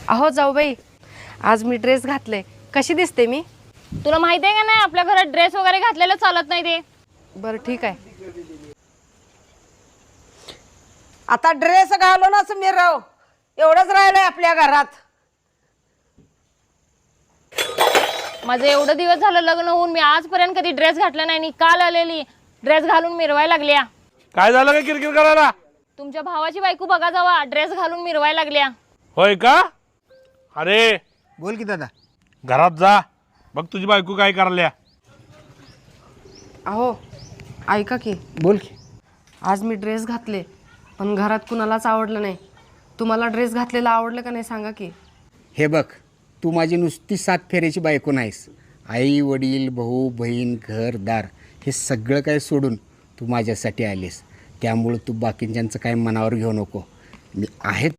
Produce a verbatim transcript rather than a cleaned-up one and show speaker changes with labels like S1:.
S1: अहो जाऊबाई, आज मी ड्रेस घातले, कशी दिसते मी?
S2: तुला माहिती आहे का नाही आपल्या घरात ड्रेस वगैरे घातलेलं चालत नाही ते.
S1: बरं ठीक आहे.
S3: आता ड्रेस घालो ना मिरव, एवढंच राहिलंय आपल्या घरात.
S2: माझं एवढं दिवस झालं लग्न होऊन मी आजपर्यंत कधी ड्रेस घातला नाही आणि काल आलेली ड्रेस घालून मिरवायला लागल्या.
S4: काय झालं का किरकिर करायला?
S2: तुमच्या भावाची बायको बघा जावा ड्रेस घालून मिरवायला लागल्या.
S4: होय का? अरे
S5: बोल की दादा.
S4: घरात जा, बघ तुझी बायको काय करल्या.
S1: अहो ऐका की,
S5: बोल की.
S1: आज मी ड्रेस घातले पण घरात कुणालाच आवडलं नाही. तुम्हाला ड्रेस घातलेला आवडलं का नाही सांगा की.
S5: हे बघ, तू माझी नुसती सात फेऱ्याची बायको नाहीस. आई वडील भाऊ बहीण घरदार हे सगळं काय सोडून तू माझ्यासाठी आलीस. त्यामुळं तू बाकीच्यांचं काय मनावर घेऊ नको. मी आहे